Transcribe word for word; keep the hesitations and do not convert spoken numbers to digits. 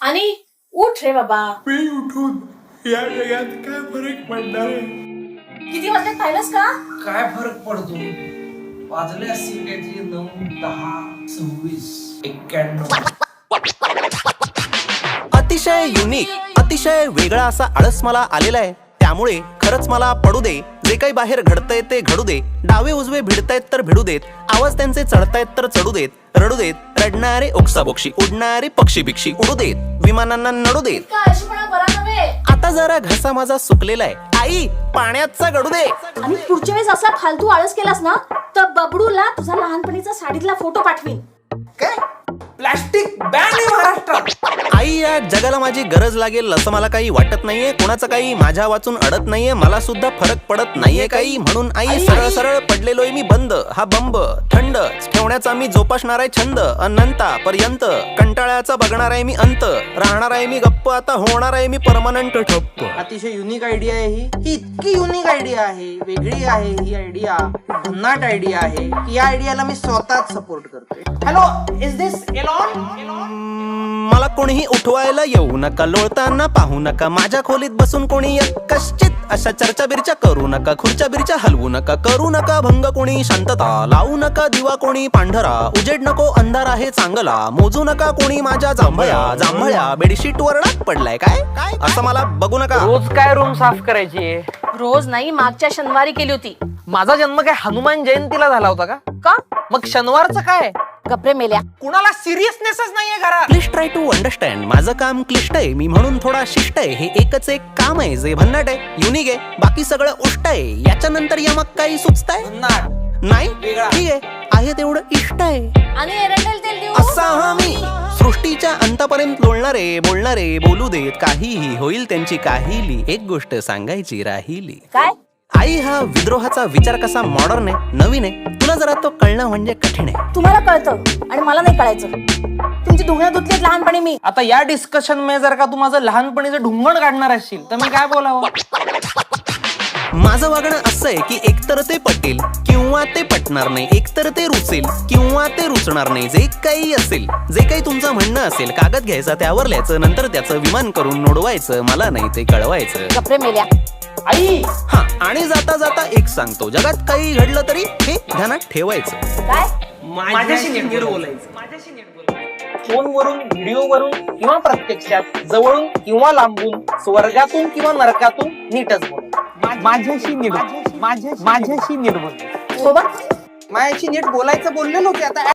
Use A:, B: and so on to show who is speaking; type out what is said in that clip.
A: आणि उठ रे बाबा.
B: मी उठून या जगात काय फरक पडणार आहे?
A: किती वाजले पाहिलंस का?
C: काय फरक पडतो? वाजले असतील काहीतरी नऊ दहा सव्वीस एक्क्याण्णव.
D: अतिशय युनिक अतिशय वेगळा असा आळस मला आलेला आहे. त्यामुळे खरंच मला पडू दे, जे काही बाहेर घडतंय ते घडू दे. डावे उजवे भिडतायत तर भिडू देत, आवाज त्यांचे चढतायत तर चढू देत, रडू देत. रडणारे ओक्साबोक्षी, उडणारे पक्षी बिक्षी उडू देत, विमानांना नडू देत.
A: इतका आळशीपणा बरा नव्हे.
D: आता जरा घसा माझा सुकलेला आहे, आई पाण्याचा गडू दे.
A: आणि पुढच्या वेळेस असा फालतू आळस केलास ना तर बबडूला तुझा लहानपणीचा साडीतला फोटो पाठवीन.
C: काय प्लास्टिक बॅन आहे महाराष्ट्रात.
D: आई, या जगाला माझी गरज लागेल असं मला काही वाटत नाहीये. कोणाचं काही माझ्या वाचून अडत नाहीये, मला सुद्धा फरक पडत नाहीये काही. म्हणून आई सरळ सरळ पडलेलोय मी बंद. हा बंब थंड ठेवण्याचा मी जोपासणार आहे छंद. अनंतापर्यंत कंटाळ्याचा बघणार आहे मी अंत. राहणार आहे मी गप्प, आता होणार आहे मी परमनंट ठप्प.
C: अतिशय युनिक आयडिया आहे ही. ही इतकी युनिक आयडिया आहे, वेगळी आहे ही आयडिया, भन्नाट आयडिया आहे की या आयडियाला मी स्वतःच सपोर्ट करतोय. Hello, is this Elon?
D: मला कोणीही उठवायला येऊ नका, लोळताना पाहू नका. माझ्या खोलीत बसून कोणी कश्चित अशा चर्चा बिरच्या करू नका. खुर्च्या बिरच्या हलवू नका, करू नका भंग कोणी शांतता. लावू नका दिवा कोणी पांढरा, उजेड नको अंधार आहे चांगला. मोजू नका कोणी माझ्या जांभळ्या जांभळ्या बेडशीट वर डाग पडलाय काय काय असं मला बघू नका.
E: रोज काय रूम साफ करायची?
A: रोज नाही, मागच्या शनिवारी केली होती.
E: माझा जन्म काय हनुमान जयंतीला झाला होता का?
A: का?
E: मग शनिवारचं काय?
A: गप्रे मेल्या.
E: कुणाला सिरियसनेसच नाहीये घरात.
D: Please try to understand. माझं काम क्लिष्ट आहे, मी म्हणून थोडा शिष्ट आहे. हे एकच एक काम आहे जे भन्नाट आहे, युनिक आहे, बाकी सगळं उष्ट आहे. याच्या नंतर यमक काही सुचताय
C: भन्नाट
D: नाही?
C: वेगळा.
D: ठीक आहे, आहे तेवढं इष्ट आहे.
A: आणि एरंडेल तेल देऊ.
D: असा हा मी सृष्टीच्या अंतापर्यंत लोळणारे बोलणारे बोलू देत. काहीही होईल त्यांची काहीली, एक गोष्ट सांगायची राहिली.
A: काय?
D: आई, हा विद्रोहाचा विचार कसा मॉडर्न आहे, नवीन आहे. तुला जरा तो कळणं म्हणजे कठीण आहे.
A: तुम्हाला कळतं आणि मला नाही कळायचं. तुमची धुण्या धुतलीत लहानपणी मी.
E: आता या डिस्कशन मध्ये जर का तू माझं लहानपणीचं ढुंगण काढणार असशील तर मी काय बोलावं?
D: माझं वागणं असं आहे की एकतर ते पटेल किंवा ते पटणार नाही, एकतर ते रुचेल किंवा ते रुचणार नाही. जे काही असेल, जे काही तुमचं म्हणणं असेल, कागद घ्यायचा त्यावर लिहायचं, नंतर त्याचं विमान करून नोडवायचं. मला नाही ते कळवायचं.
A: गप्रे मेल्या.
E: आई,
D: हा, आणि जाता जाता एक सांगतो, जगात काही घडलं तरी हे ध्यानात ठेवायचं.
A: काय?
E: माझ्याशी नीट बोलायचं. माझ्याशी नीट बोलायचं. फोनवरून, व्हिडिओवरून किंवा प्रत्यक्षात, जवळून किंवा लांबून, स्वर्गातून किंवा नरकातून नीटच बोल. माझ्याशी नीट माझ्याशी नीट बोल.
A: सोबत
C: माझ्याशी नीट बोलायचं बोललेलो की आता